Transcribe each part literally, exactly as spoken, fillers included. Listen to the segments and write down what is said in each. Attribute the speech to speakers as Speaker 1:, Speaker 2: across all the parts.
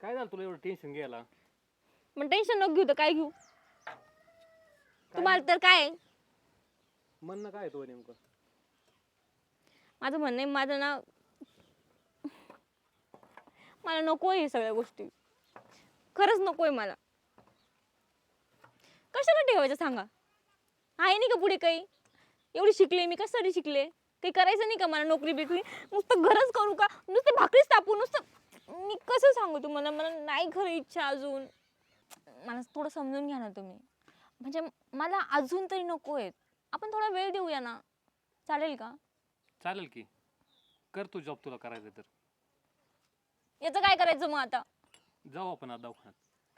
Speaker 1: काय झालं तुला एवढं टेन्शन घ्यायला?
Speaker 2: मग टेन्शन नको घेऊ तर काय घेऊ? तुम्हाला तर काय
Speaker 1: म्हणणं काय तो नेमकं?
Speaker 2: माझं म्हणणं आहे, माझं ना मला नकोय हे सगळ्या गोष्टी. खरंच नकोय मला. कशाला ठेवायचं सांगा? आहे नाही का पुढे काही? एवढी शिकले मी, कशासाठी शिकले? काही करायचं नाही का मला? नोकरी बिकरी नुसतं घरच करू का? नुसतं भाकरीच तापू नुसतं? मी कसं सांगू तुम्हाला? मला नाही खरं इच्छा अजून. मला थोडं समजून घ्या ना तुम्ही. म्हणजे मला अजून तरी नकोय. आपण थोडा वेळ देऊया ना, चालेल का?
Speaker 1: चालेल की, कर तू जॉब तुला करायचं तर.
Speaker 2: याचं काय करायचं मग आता?
Speaker 1: जाऊ आपण आता दवाखान्यात.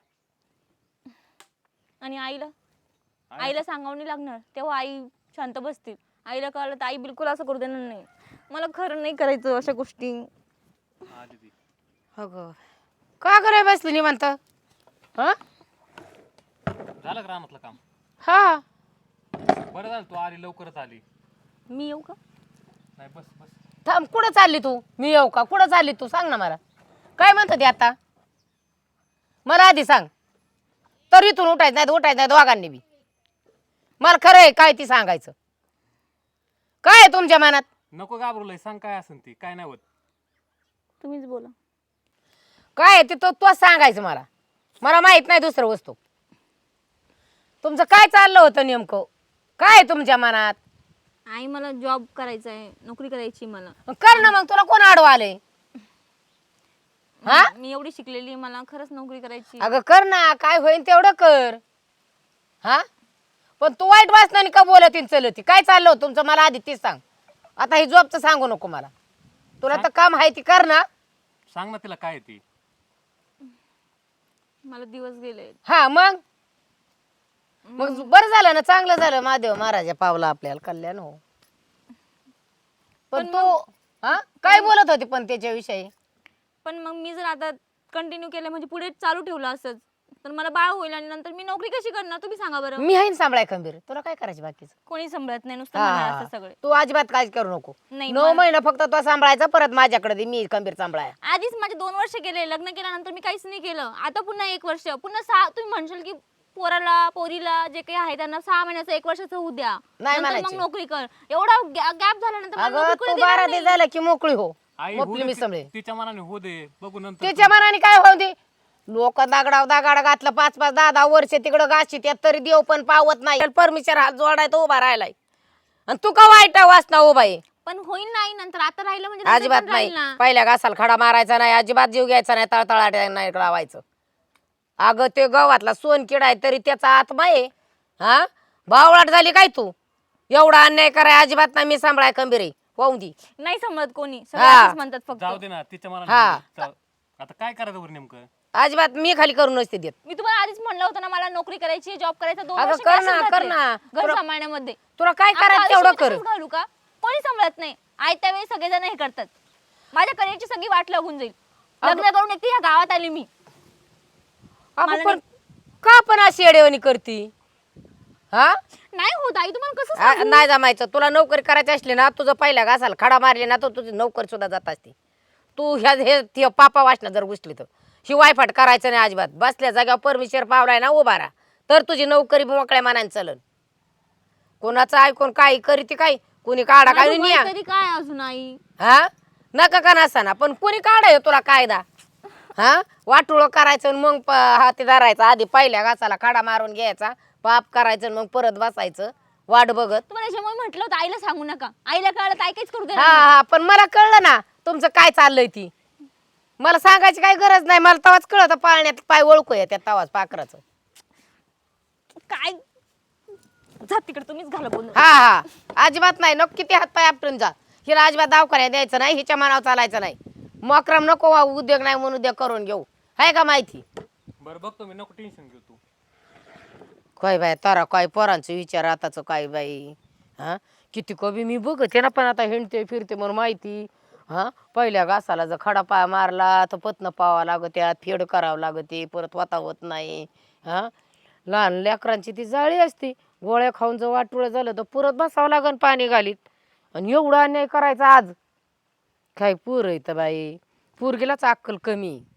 Speaker 2: आणि आईला आईला सांगावं नाही लागणार, तेव्हा आई शांत बसतील. आईला कळलं तर आई बिलकुल असं करू देणार नाही. मला खरं नाही करायचं अशा गोष्टी.
Speaker 1: हा दीदी.
Speaker 3: अगं का कराय बसली निवांत? हा
Speaker 1: झालं का रानातलं काम?
Speaker 3: हा
Speaker 1: बरं झालं तू आली, लवकरच आली.
Speaker 2: मी येऊ का?
Speaker 1: नाही बस बस.
Speaker 3: थांब, कुठं चालली तू? मी येऊ का? कुठं चालली तू? सांग ना मला. काय म्हणत ते आता? मला आधी सांग. तर इथून उठायचं नाही, उठायचं नाही दोघांनी बी. मला खरं आहे काय ती सांगायचं. काय आहे तुमच्या मनात?
Speaker 1: नको घाबरलंय, सांग काय असेल ती. काय नाही होत.
Speaker 2: तुम्हीच बोला.
Speaker 3: काय आहे ते तो तोच सांगायचं मला. मला माहित नाही दुसरं वस्तू. तुमचं काय चाललं होतं नेमकं? काय आहे तुमच्या मनात?
Speaker 2: आई मला जॉब करायचा आहे, नोकरी करायची मला.
Speaker 3: कर ना मग, तुला कोण आडवं आलंय? हा?
Speaker 2: मी एवढी शिकलेली आहे, मला खरंच नोकरी करायची.
Speaker 3: अगं कर ना, काय होईन तेवढं कर. हा पण तू वाईट वाचनाने का बोलती चलती? काय चाललं होतं तुमचं मला आधी तीच सांग. आता ही जॉबचं सांगू नको मला. तुला तर काम आहे ती कर ना.
Speaker 1: सांग ना तिला काय आहे ती.
Speaker 2: मला दिवस गेले.
Speaker 3: हा मग मग बरं झालं ना, चांगलं झालं. महादेव महाराजा पावला आपल्याला कल्याण हो. पण तू हा काय बोलत होती पण त्याच्याविषयी?
Speaker 2: पण मग मी जर आता कंटिन्यू केलं म्हणजे पुढे चालू ठेवलं असंच तर मला बाळ होईल आणि नंतर मी नोकरी कशी करणार? तुम्ही सांगा बरं.
Speaker 3: मी आहे ना सांभाळाय खंबीर. तुला काय करायचं बाकीचं?
Speaker 2: कोणी सांभाळत नाही, नुसतं म्हणणार असतं सगळे.
Speaker 3: तू अजिबात काय करू नको.
Speaker 2: नाही,
Speaker 3: नऊ महिना फक्त तो सांभाळायचा, परत माझ्याकडे दे, मी खंबीर सांभाळाय.
Speaker 2: आधीच माझे दोन वर्ष गेले, लग्न केल्यानंतर मी काहीच नाही केलं. आता पुन्हा एक वर्ष, पुन्हा सहा. तुम्ही म्हणशाल की पोराला पोरीला जे काही आहे त्यांना सहा महिन्याचं एक वर्षाचं होऊ द्या,
Speaker 3: नाही
Speaker 2: नंतर मग
Speaker 3: म्हणायचे.
Speaker 2: नोकरी कर. एवढा गॅप झाल्यानंतर मला
Speaker 3: अगं
Speaker 2: नोकरी
Speaker 3: तू
Speaker 2: कोणी देणार
Speaker 3: बारा
Speaker 2: नाही.
Speaker 3: दिवस झालं की मोकळी हो.
Speaker 1: आई
Speaker 3: मोकळी
Speaker 1: होऊ दे
Speaker 3: मी
Speaker 1: ती-
Speaker 3: सांभाळे.
Speaker 1: तिच्या मनाने होऊ दे, बघू नंतर.
Speaker 3: त्याच्या मनाने काय होऊ दे. लोक दागडाव दागाड घातलं पाच पाच दहा दहा वर्ष तिकडं गाशी त्यात तरी देव पण पावत नाही. परमेश्वर हात जोडाय तो उभा राहिलाय आणि तू का वाईट वाचना उभा आहे?
Speaker 2: पण होईल नाही नंतर. आता राहिलं म्हणजे नंतर
Speaker 3: अजिबात
Speaker 2: पण
Speaker 3: नाही.
Speaker 2: राहील ना.
Speaker 3: पहिल्या घासाला खडा मारायचा नाही, अजिबात जीव घ्यायचा नाही, तळतळाट नाही लावायचं. अगं ते गावातला सोन किडा आहे तरी त्याचा आत्मा आहे. हा बावळाट झाली काय तू? एवढा अन्याय कराय अजिबात नाही. मी सांभाळाय खंबीर आहे. वाहून दी.
Speaker 2: नाही समजत कोणी, सगळे
Speaker 3: हा.
Speaker 2: असंच म्हणतात फक्त.
Speaker 1: जाऊ दे ना तिच्या
Speaker 3: हा.
Speaker 1: मनाने. जाऊ. आता काय करायचं बरं नेमकं?
Speaker 3: अजिबात मी खाली करून नसते देत.
Speaker 2: मी तुम्हाला आधीच म्हणलं होतं ना मला नोकरी करायची, जॉब करायचा. दोन
Speaker 3: अगं
Speaker 2: वर्ष
Speaker 3: कर
Speaker 2: मी
Speaker 3: ना,
Speaker 2: असंच
Speaker 3: कर
Speaker 2: घातले,
Speaker 3: ना.
Speaker 2: घर
Speaker 3: तुला-
Speaker 2: सांभाळण्यामध्ये.
Speaker 3: तुला काय
Speaker 2: आता
Speaker 3: करायचं
Speaker 2: आयुष्य
Speaker 3: तेवढं
Speaker 2: मी
Speaker 3: कर.
Speaker 2: तसंच घालू का? कोणी सांभाळत नाही. आई त्यावेळी सगळेजण हे करतात. माझ्या करिअरची सगळी वाट लागून जाईल. लग्न करून एकटी ह्या गावात आली मी.
Speaker 3: अगं
Speaker 2: मला
Speaker 3: पण का पण अशी येडेवणी करती? हा
Speaker 2: नाही होत आई, तुम्हाला कसं
Speaker 3: आ-
Speaker 2: सांगू?
Speaker 3: नाही जमायचं. तुला नोकरी करायची असली ना, तुझं पहिल्या घासाला खडा मारली ना, तर तुझी नोकरी सुद्धा जात असते. तू ह्या हे ते पापा वाचना जर घुसली तर ही वायफाट करायचं नाही अजिबात. बसल्या जाग्यावर परमेश्वर पावलाय ना उभा राहा, तर तुझी नोकरी मोकळ्या मनाने चलन. कोणाचं ऐकून काही करीती काय? कोणी काढा काय
Speaker 2: माझं
Speaker 3: निया
Speaker 2: वय तरी काय अजून आई?
Speaker 3: हा नका का नसताना पण कोणी काढाय तुला कायदा? हा वाटुळ करायचं आणि मग प- हाती धरायचा. आधी पहिल्या घासाला खडा मारून घ्यायचा, पाप करायचं आणि मग परत बसायचं वाट बघत.
Speaker 2: तुम्हाला याच्यामुळे म्हटलं होतं आईला सांगू नका. आईला कळलं तर आई काहीच करू
Speaker 3: हा
Speaker 2: देणार नाही.
Speaker 3: हा पण मला कळलं ना तुमचं काय चाललंय ती. मला सांगायची काही गरज नाही. मला तवाच कळत पाळण्यात पाय ओळखू त्या तवाच पाखराचं.
Speaker 2: काय जा तिकडे, तुम्हीच घाला बोलून.
Speaker 3: हा हा अजिबात नाही. नको किती हात पाय आपटून जा. हिला अजिबात दवाखान्यात द्यायचं नाही, हिच्या मनावर चालायचं नाही. मक्रम नको वा, उद्योग नाही म्हणून उद्योग करून घेऊ. आहे का माहिती?
Speaker 1: बरं बघतो मी, नको टेन्शन घेऊ तू.
Speaker 3: काय बाय तारा काय पोरांचं विचार आताच काय बाई. हा किती कवी मी बघते ना, पण आता हिंडते फिरते म्हणून माहिती. हा पहिल्या घासाला जर खडा पाय मारला तर पत्न पावा लागत्यात, फेड करावं लागते, परत वाता होत नाही. हा लहान लेकरांची ती जाळी असते. गोळ्या खाऊन जर वाटुळं झालं तर परत बसावं लागन पाणी घालीत. आणि एवढा अन्याय करायचा आज काय पूर येतं बाई. पोरगीलाच अक्कल कमी.